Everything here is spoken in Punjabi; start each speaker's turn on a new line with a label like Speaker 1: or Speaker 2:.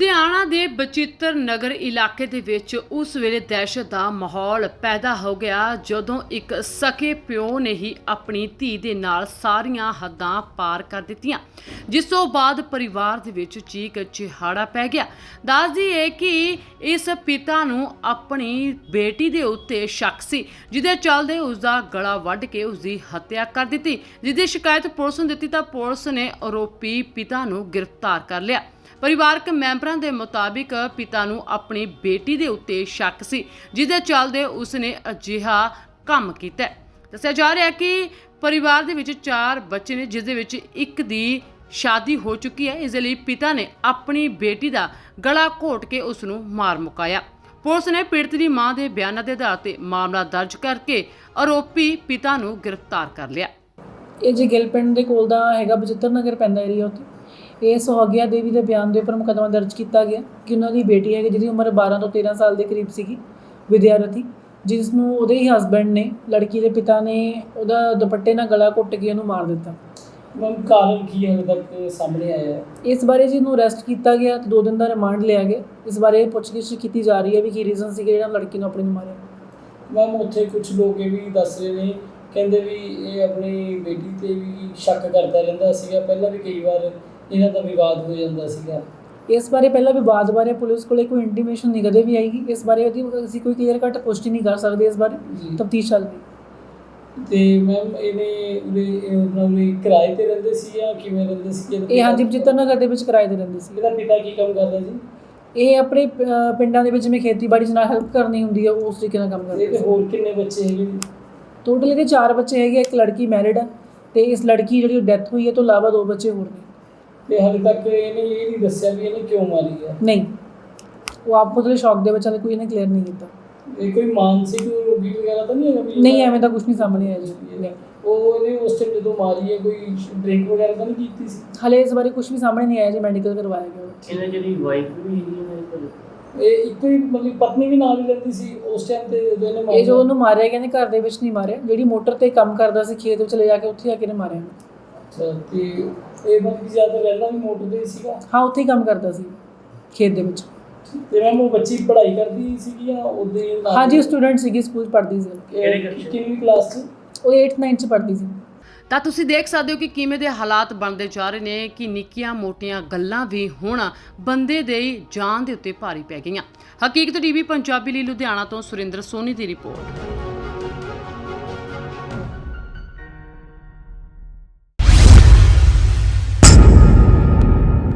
Speaker 1: ਲੁਧਿਆਣਾ ਦੇ ਬਚਿੱਤਰ ਨਗਰ ਇਲਾਕੇ ਦੇ ਵਿੱਚ ਉਸ ਵੇਲੇ ਦਹਿਸ਼ਤ ਦਾ ਮਾਹੌਲ ਪੈਦਾ ਹੋ ਗਿਆ ਜਦੋਂ ਇੱਕ ਸਕੇ ਪਿਓ ਨੇ ਹੀ ਆਪਣੀ ਧੀ ਦੇ ਨਾਲ ਸਾਰੀਆਂ ਹੱਦਾਂ ਪਾਰ ਕਰ ਦਿੱਤੀਆਂ, ਜਿਸ ਤੋਂ ਬਾਅਦ ਪਰਿਵਾਰ ਦੇ ਵਿੱਚ ਚੀਕ ਚਿਹਾੜਾ ਪੈ ਗਿਆ। ਦੱਸਦੀ ਹੈ ਕਿ ਇਸ ਪਿਤਾ ਨੂੰ ਆਪਣੀ ਬੇਟੀ ਦੇ ਉੱਤੇ ਸ਼ੱਕ ਸੀ, ਜਿਹਦੇ ਚੱਲਦੇ ਉਸ ਦਾ ਗਲਾ ਵੱਢ ਕੇ ਉਸ ਦੀ ਹੱਤਿਆ ਕਰ ਦਿੱਤੀ। ਜਿਸ ਦੀ ਸ਼ਿਕਾਇਤ ਪੁਲਿਸ ਨੂੰ ਦਿੱਤੀ ਤਾਂ ਪੁਲਿਸ ਨੇ ਆਰੋਪੀ ਪਿਤਾ ਨੂੰ ਗ੍ਰਿਫਤਾਰ ਕਰ ਲਿਆ। ਪਰਿਵਾਰਕ ਮੈਂਬਰਾਂ ਦੇ ਮੁਤਾਬਿਕ ਪਿਤਾ ਨੂੰ ਆਪਣੀ ਬੇਟੀ ਦੇ ਉੱਤੇ ਸ਼ੱਕ ਸੀ, ਜਿਹਦੇ ਚੱਲਦੇ ਉਸਨੇ ਅਜਿਹਾ ਕੰਮ ਕੀਤਾ। ਦੱਸਿਆ ਜਾ ਰਿਹਾ ਹੈ ਕਿ ਪਰਿਵਾਰ ਦੇ ਵਿੱਚ 4 ਬੱਚੇ ਨੇ, ਜਿਸ ਦੇ ਵਿੱਚ ਇੱਕ ਦੀ ਸ਼ਾਦੀ ਹੋ ਚੁੱਕੀ ਹੈ। ਇਸ ਦੇ ਲਈ ਪਿਤਾ ਨੇ ਆਪਣੀ ਬੇਟੀ ਦਾ ਗਲਾ ਘੋਟ ਕੇ ਉਸ ਨੂੰ ਮਾਰ ਮੁਕਾਇਆ। ਪੁਲਿਸ ਨੇ ਪੀੜਤ ਦੀ ਮਾਂ ਦੇ ਬਿਆਨਾਂ ਦੇ ਆਧਾਰ ਤੇ ਮਾਮਲਾ ਦਰਜ ਕਰਕੇ ਆਰੋਪੀ ਪਿਤਾ ਨੂੰ ਗ੍ਰਿਫਤਾਰ ਕਰ ਲਿਆ।
Speaker 2: ਇਹ ਜੀ ਗਿੱਲ ਪਿੰਡ ਦੇ ਕੋਲ ਦਾ ਹੈਗਾ, ਬਚਿੱਤਰ ਨਗਰ ਪੈਂਦਾ ਏਰੀਆ ਉੱਥੇ। ਇਹ ਸੁਹਾਗਿਆ ਦੇਵੀ ਦੇ ਬਿਆਨ ਦੇ ਉੱਪਰ ਮੁਕੱਦਮਾ ਦਰਜ ਕੀਤਾ ਗਿਆ ਕਿ ਉਹਨਾਂ ਦੀ ਬੇਟੀ ਹੈ ਜਿਹਦੀ ਉਮਰ 12 ਤੋਂ 13 ਸਾਲ ਦੇ ਕਰੀਬ ਸੀਗੀ, ਵਿਦਿਆਰਥੀ, ਜਿਸ ਨੂੰ ਉਹਦੇ ਹੀ ਹਸਬੈਂਡ ਨੇ, ਲੜਕੀ ਦੇ ਪਿਤਾ ਨੇ ਉਹਦਾ ਦੁਪੱਟੇ ਨਾਲ ਗਲਾ ਘੁੱਟ ਕੇ ਉਹਨੂੰ ਮਾਰ ਦਿੱਤਾ।
Speaker 3: ਮੈਮ ਕਾਰਨ ਕੀ ਹਾਲੇ ਤੱਕ ਸਾਹਮਣੇ ਆਇਆ ਹੈ?
Speaker 2: ਇਸ ਬਾਰੇ ਜੀ ਨੂੰ ਅਰੈਸਟ ਕੀਤਾ ਗਿਆ ਤੇ 2 ਦਿਨ ਦਾ ਰਿਮਾਂਡ ਲਿਆ ਗਿਆ। ਇਸ ਬਾਰੇ ਪੁੱਛਗਿੱਛ ਕੀਤੀ ਜਾ ਰਹੀ ਹੈ ਵੀ ਕੀ ਰੀਜ਼ਨ ਸੀਗਾ ਜਿਹੜਾ ਲੜਕੀ ਨੂੰ ਆਪਣੀ ਨੂੰ ਮਾਰਿਆ।
Speaker 3: ਮੈਮ ਉੱਥੇ ਕੁਝ ਲੋਕ ਇਹ ਵੀ ਦੱਸ ਰਹੇ ਨੇ, ਕਹਿੰਦੇ ਵੀ ਇਹ ਆਪਣੀ ਬੇਟੀ ਤੇ ਵੀ ਸ਼ੱਕ ਕਰਦਾ ਰਹਿੰਦਾ ਸੀਗਾ, ਪਹਿਲਾਂ ਵੀ ਕਈ ਵਾਰ ਇਹਨਾਂ ਦਾ ਵਿਵਾਦ ਹੋ ਜਾਂਦਾ ਸੀਗਾ।
Speaker 2: ਇਸ ਬਾਰੇ ਪਹਿਲਾਂ ਵਿਵਾਦ ਬਾਰੇ ਪੁਲਿਸ ਕੋਲੇ ਕੋਈ ਇੰਟੀਮੇਸ਼ਨ ਨਹੀਂ ਕਦੇ ਵੀ ਆਏਗੀ। ਇਸ ਬਾਰੇ ਅਸੀਂ ਕੋਈ ਕਲੀਅਰ ਕੱਟ ਪੁਸ਼ਟੀ ਨਹੀਂ ਕਰ ਸਕਦੇ। ਇਸ ਬਾਰੇ ਤਫਤੀਸ਼ ਚੱਲ ਰਹੀ।
Speaker 3: ਤੇ ਮੈਮ ਇਹਨੇ ਕਿਰਾਏ ਤੇ ਰਹਿੰਦੇ ਸੀ ਜਾਂ ਕਿਵੇਂ ਰਹਿੰਦੇ ਸੀ?
Speaker 2: ਇਹ ਹਾਂਜੀ ਬਚਿੱਤਰ ਨਗਰ ਦੇ ਵਿੱਚ ਕਿਰਾਏ ਤੇ ਰਹਿੰਦੇ ਸੀ।
Speaker 3: ਇਹਦਾ ਪਿਤਾ ਕੀ ਕੰਮ ਕਰਦਾ ਜੀ?
Speaker 2: ਇਹ ਆਪਣੇ ਪਿੰਡਾਂ ਦੇ ਵਿੱਚ ਜਿਵੇਂ ਖੇਤੀਬਾੜੀ 'ਚ ਨਾਲ ਹੈਲਪ ਕਰਨੀ ਹੁੰਦੀ ਹੈ, ਉਸ ਤਰੀਕੇ ਨਾਲ ਕੰਮ ਕਰਦੇ।
Speaker 3: ਤੇ ਹੋਰ ਕਿੰਨੇ ਬੱਚੇ ਹੈਗੇ?
Speaker 2: ਟੋਟਲ ਇਹਦੇ 4 ਬੱਚੇ ਹੈਗੇ। ਇੱਕ ਲੜਕੀ ਮੈਰਿਡ ਹੈ ਤੇ ਇਸ ਲੜਕੀ ਜਿਹੜੀ ਡੈਥ ਹੋਈ ਹੈ ਤੋਂ ਇਲਾਵਾ 2 ਬੱਚੇ ਹੋਰ ਨੇ।
Speaker 3: ਤੇ ਹਾਲੇ ਤੱਕ ਇਹਨੇ ਇਹ ਨਹੀਂ ਦੱਸਿਆ ਵੀ ਇਹਨੇ ਕਿਉਂ ਮਾਰੀ ਹੈ?
Speaker 2: ਨਹੀਂ, ਉਹ ਆਪ ਉਹਦੇ ਸ਼ੌਕ ਦੇ ਵਿੱਚ ਕੋਈ ਇਹਨੇ ਕਲੀਅਰ ਨਹੀਂ ਕੀਤਾ।
Speaker 3: ਇਹ ਕੋਈ ਮਾਨਸਿਕ ਰੋਗੀ ਵਗੈਰਾ ਤਾਂ ਨਹੀਂ ਹੈਗਾ?
Speaker 2: ਨਹੀਂ, ਐਵੇਂ ਦਾ ਕੁਝ ਨਹੀਂ ਸਾਹਮਣੇ ਆਇਆ ਜੀ।
Speaker 3: ਉਹ ਇਹਨੇ ਉਸ ਟਾਈਮ ਜਦੋਂ ਮਾਰੀ ਹੈ ਕੋਈ ਡਰਿੰਕ ਵਗੈਰਾ ਤਾਂ ਨਹੀਂ ਕੀਤੀ ਸੀ?
Speaker 2: ਹਲੇ ਇਸ ਬਾਰੇ ਕੁਝ ਵੀ ਸਾਹਮਣੇ ਨਹੀਂ ਆਇਆ ਜੀ। ਮੈਡੀਕਲ ਕਰਵਾਇਆ ਗਿਆ।
Speaker 4: ਇਹਨਾਂ ਜਿਹੜੀ ਵਾਈਫ ਵੀ ਹੈਗੀ ਹੈ,
Speaker 3: ਇਹ ਇੱਕੋ ਹੀ ਮਤਲਬ ਪਤਨੀ ਵੀ ਨਾਲ ਹੀ ਰਹਿੰਦੀ ਸੀ ਉਸ ਟਾਈਮ ਤੇ ਜਦੋਂ ਇਹਨੇ ਮਾਰਿਆ?
Speaker 2: ਇਹ ਜੋ ਉਹਨੂੰ ਮਾਰਿਆ ਗਿਆ ਨੇ ਘਰ ਦੇ ਵਿੱਚ ਨਹੀਂ ਮਾਰਿਆ, ਜਿਹੜੀ ਮੋਟਰ ਤੇ ਕੰਮ ਕਰਦਾ ਸੀ ਖੇਤ ਵਿੱਚ ਲੈ ਜਾ ਕੇ ਉੱਥੇ ਆ ਕੇ ਨੇ ਮਾਰਿਆ।
Speaker 3: ਅੱਛਾ, ਤੇ ਇਹ ਮਤਲਬ ਜ਼ਿਆਦਾ ਰਹਿੰਦਾ ਵੀ ਮੋਟਰ ਤੇ ਸੀਗਾ?
Speaker 2: ਹਾਂ, ਉੱਥੇ ਹੀ ਕੰਮ ਕਰਦਾ ਸੀ ਖੇਤ ਦੇ ਵਿੱਚ।
Speaker 3: ਤੇ ਮੈਮ ਉਹ ਬੱਚੀ ਪੜ੍ਹਾਈ ਕਰਦੀ ਸੀਗੀ ਜਾਂ ਉਹਦੇ ਨਾਲ?
Speaker 2: ਹਾਂਜੀ, ਸਟੂਡੈਂਟ ਸੀਗੀ, ਸਕੂਲ ਪੜ੍ਹਦੀ ਸੀ।
Speaker 3: ਕਿੰਨੀ ਕਲਾਸ 'ਚ?
Speaker 2: ਉਹ 8th 9th 'ਚ ਪੜ੍ਹਦੀ ਸੀ।
Speaker 1: ਤਾਂ ਤੁਸੀਂ ਦੇਖ ਸਕਦੇ ਹੋ ਕਿ ਕਿਵੇਂ ਦੇ ਹਾਲਾਤ ਬਣਦੇ ਜਾ ਰਹੇ ਨੇ ਕਿ ਨਿੱਕੀਆਂ ਮੋਟੀਆਂ ਗੱਲਾਂ ਵੀ ਹੁਣ ਬੰਦੇ ਦੇ ਜਾਨ ਦੇ ਉੱਤੇ ਭਾਰੀ ਪੈ ਗਈਆਂ। ਹਕੀਕਤ ਟੀਵੀ ਪੰਜਾਬੀ ਲਈ ਲੁਧਿਆਣਾ ਤੋਂ ਸੁਰਿੰਦਰ ਸੋਨੀ ਦੀ ਰਿਪੋਰਟ।